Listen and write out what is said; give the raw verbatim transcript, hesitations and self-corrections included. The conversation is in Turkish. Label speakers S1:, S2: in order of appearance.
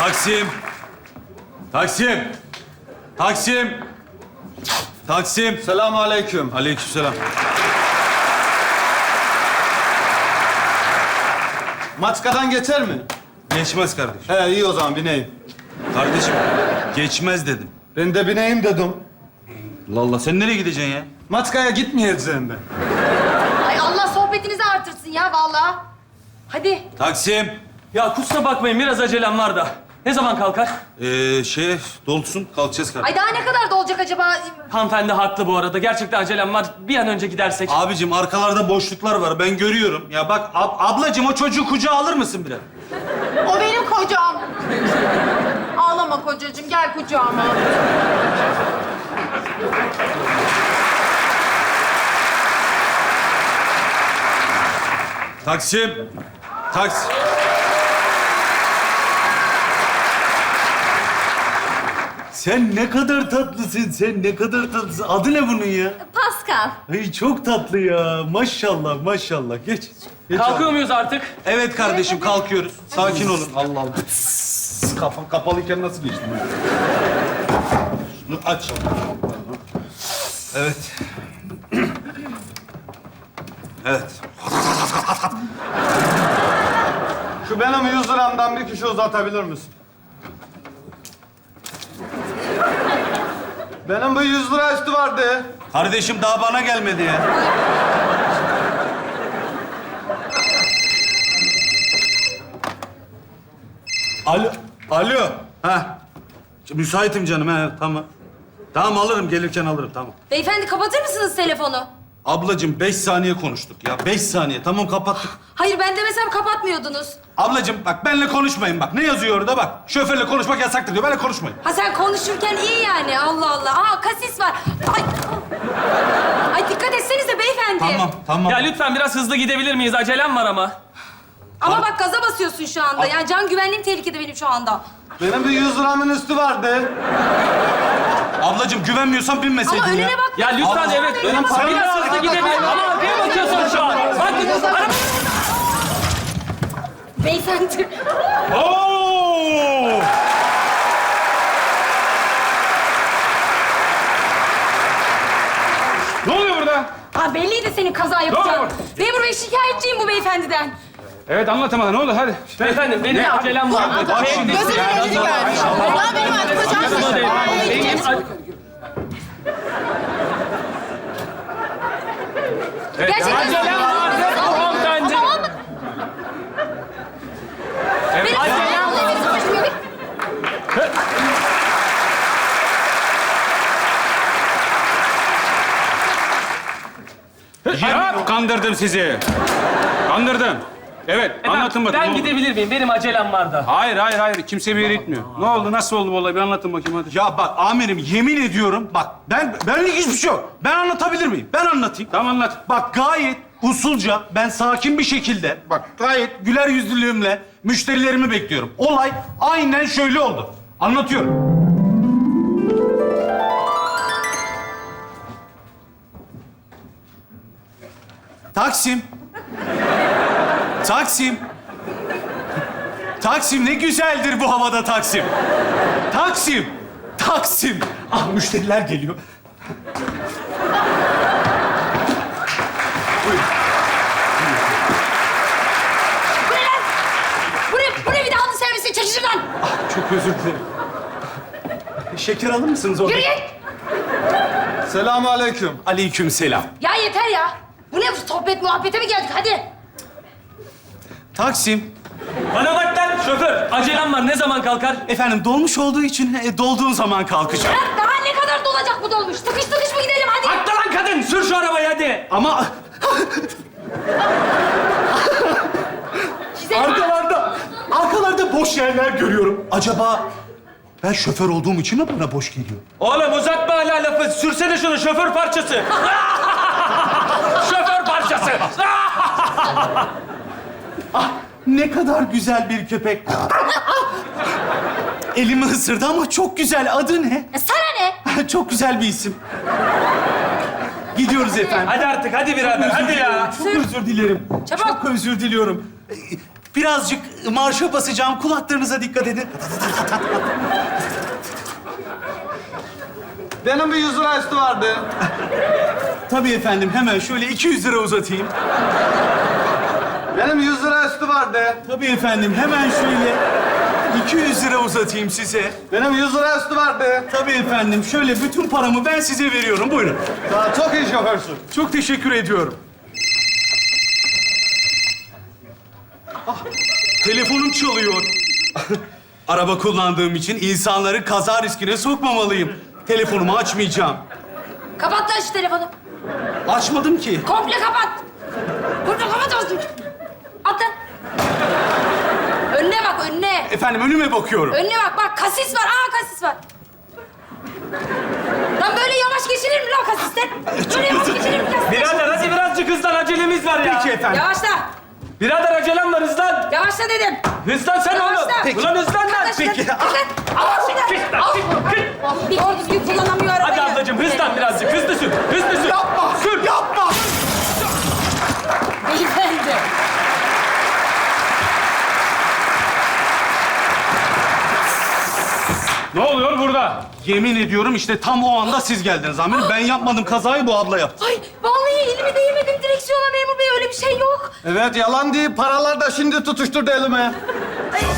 S1: Taksim. Taksim. Taksim. Taksim.
S2: Selamünaleyküm.
S1: Aleykümselam.
S2: Maçkadan geçer mi?
S1: Geçmez kardeşim.
S2: He iyi o zaman bineyim.
S1: Kardeşim geçmez dedim.
S2: Ben de bineyim dedim.
S1: Allah Allah sen nereye gideceksin ya?
S2: Maçkaya gitmeyeceğim ben.
S3: Ay Allah sohbetinizi artırsın ya vallahi. Hadi.
S1: Taksim.
S4: Ya kusura bakmayın biraz acelem var da. Ne zaman kalkar?
S1: Ee, şey dolsun kalkacağız kardeşim.
S3: Ay daha ne kadar da olacak acaba?
S4: Hanımefendi haklı bu arada. Gerçekten acelem var. Bir an önce gidersek.
S1: Abicim arkalarda boşluklar var ben görüyorum. Ya bak ab- ablacığım o çocuğu kucağa alır mısın biraz?
S5: O benim kocam. Ağlama kocacığım, gel kucağıma.
S1: Taksim. Taksim. Sen ne kadar tatlısın, sen ne kadar tatlısın. Adı ne bunun ya?
S3: Pascal.
S1: Ay çok tatlı ya. Maşallah, maşallah. Geç. Geç
S4: Kalkıyor
S1: abi.
S4: muyuz artık?
S1: Evet kardeşim, kalkıyoruz. Sakin olun. Allah Allah. Tss, Kafam kapalıyken nasıl geçtin? Şunu aç. Evet. Evet.
S2: Şu benim yüz liramdan bir kişi uzatabilir misin? Benim bu yüz lira üstü vardı.
S1: Kardeşim daha bana gelmedi ya. Alo. Alo. Ha. Müsaitim canım ha tamam. Tamam alırım gelirken alırım tamam.
S3: Beyefendi kapatır mısınız telefonu?
S1: Ablacığım beş saniye konuştuk ya. Beş saniye. Tamam kapattık.
S3: Hayır ben demesem kapatmıyordunuz.
S1: Ablacığım bak benimle konuşmayın bak. Ne yazıyor orada bak. Şoförle konuşmak yasaktır diyor. Benimle konuşmayın.
S3: Ha sen konuşurken iyi yani Allah Allah. Aa kasis var. Ay. Ay dikkat etsenize beyefendi.
S1: Tamam tamam.
S4: Ya lütfen biraz hızlı gidebilir miyiz? Acelem var ama.
S3: Ama bak gaza basıyorsun şu anda. Yani can güvenliğim tehlikede benim şu anda.
S2: Benim bir yüz liramın üstü vardı.
S1: Ablacığım güvenmiyorsan binmeseydin
S3: Ama
S1: ya.
S3: önüne bak.
S4: Ya lütfen
S1: Allah-
S4: evet.
S1: Benim param-
S4: Biraz hızlı gidebilir. Ama arkaya bakıyorsun şu an. Bak araba...
S3: Beyefendi.
S1: Oo!
S6: Ne oluyor burada?
S3: Ha belliydi senin kaza yapacağın. Memur bey şikayetçiyim bu beyefendiden.
S6: Evet anlatın bana ne oldu hadi.
S4: Beyefendi benim acelem var.
S1: Bak şimdi.
S5: Gözümün önünü görmüş. Vallahi benim artık kocam
S4: Kızma değil.
S5: Ay,
S4: Benim...
S3: Gerçekten.
S4: Acelem var. Bu hanımefendi.
S3: Ama olmadı. Benim acelem var.
S6: Ya kandırdım sizi. Kandırdım. Evet anlatın bakayım.
S4: Ben
S6: ne oldu?
S4: gidebilir miyim? Benim acelem var da.
S6: Hayır hayır hayır kimse bir yere gitmiyor. Ne oldu nasıl oldu bu olay bir anlatın bakayım hadi.
S1: Ya bak amirim yemin ediyorum bak ben benlik hiçbir şey yok. Ben anlatabilir miyim? Ben anlatayım.
S6: Tamam anlat.
S1: Bak gayet usulca ben sakin bir şekilde bak gayet güler yüzlülüğümle müşterilerimi bekliyorum. Olay aynen şöyle oldu. Anlatıyorum. Taksim. Taksim. Taksim ne güzeldir bu havada Taksim. Taksim. Taksim. Ah müşteriler geliyor.
S3: Bu ne lan? Bu ne? Bu ne bir de aldı servisi? Çekil şuradan.
S1: Çok özür dilerim. Şeker alır mısınız orada?
S3: Yürü git.
S2: Selamünaleyküm.
S1: Aleykümselam.
S3: Ya yeter ya. Bu ne sohbet muhabbete mi geldik? Hadi.
S1: Taksim.
S4: Bana bak lan şoför. Acelem var. Ne zaman kalkar?
S1: Efendim dolmuş olduğu için e, dolduğun zaman kalkacak.
S3: Bırak daha ne kadar dolacak bu dolmuş? Tıkış tıkış mı gidelim hadi.
S4: Haklı lan kadın. Sür şu arabayı hadi.
S1: Ama
S3: Size
S1: arkalarda, arkalarda boş yerler görüyorum. Acaba ben şoför olduğum için mi bana boş geliyor?
S4: Oğlum uzatma hala lafı. Sürsene şunu şoför parçası. Şoför parçası.
S1: Ne kadar güzel bir köpek. Elimi ısırdı ama çok güzel. Adı ne?
S3: E, sana ne?
S1: Çok güzel bir isim. Gidiyoruz efendim.
S4: Hadi artık hadi birader. Hadi ya.
S1: Çok özür dilerim.
S3: Çabuk.
S1: Çok özür diliyorum. Ee, Birazcık marşa basacağım. Kulaklarınıza dikkat edin.
S2: Benim bir yüz lira üstü vardı.
S1: Tabii efendim, hemen şöyle iki yüz lira uzatayım.
S2: Benim yüz lira üstü vardı.
S1: Tabii efendim, hemen şöyle iki yüz lira uzatayım size.
S2: Benim yüz lira üstü vardı.
S1: Tabii efendim, şöyle bütün paramı ben size veriyorum. Buyurun.
S2: Daha çok iyi şoförsün.
S1: Çok teşekkür ediyorum. Ah, telefonum çalıyor. Araba kullandığım için insanları kaza riskine sokmamalıyım. Telefonumu açmayacağım.
S3: Kapat lan şu telefonu.
S1: Açmadım ki.
S3: Komple kapat. Komple kapat olsun. At lan. Önüne bak, önüne.
S1: Efendim, önüme bakıyorum.
S3: Önüne bak, bak kasis var. Aa kasis var. Lan böyle yavaş geçilir mi lan kasisten? Böyle yavaş
S1: özür
S3: geçilir mi kasisten?
S4: Birader hadi birazcık hızlan, acelemiz var ya.
S1: Peki efendim.
S3: Yavaşla.
S4: Birader acelem var, hızlan.
S3: Yavaşla dedim.
S4: Hızlan sen oğlum.
S3: Yavaşla.
S1: Peki.
S4: Ulan hızlan lan.
S3: Arkadaşlar,
S1: Peki.
S3: dikkat. Al şuradan. Al. Oh, bir doğru düzgün kullanamıyor arabayı.
S4: Hadi ablacığım hızlan birazcık, hızlı sür, hızlı sür.
S1: Yapma!
S4: Sür.
S1: Yapma!
S3: Beyefendi.
S6: Ne oluyor burada?
S1: Yemin ediyorum işte tam o anda siz geldiniz amirim. Ben yapmadım kazayı, bu abla yaptı.
S3: Ay vallahi elimi değmedim direksiyona memur bey. Öyle bir şey yok.
S2: Evet, yalan değil. Paralar da şimdi tutuşturdu elime.
S3: Ay,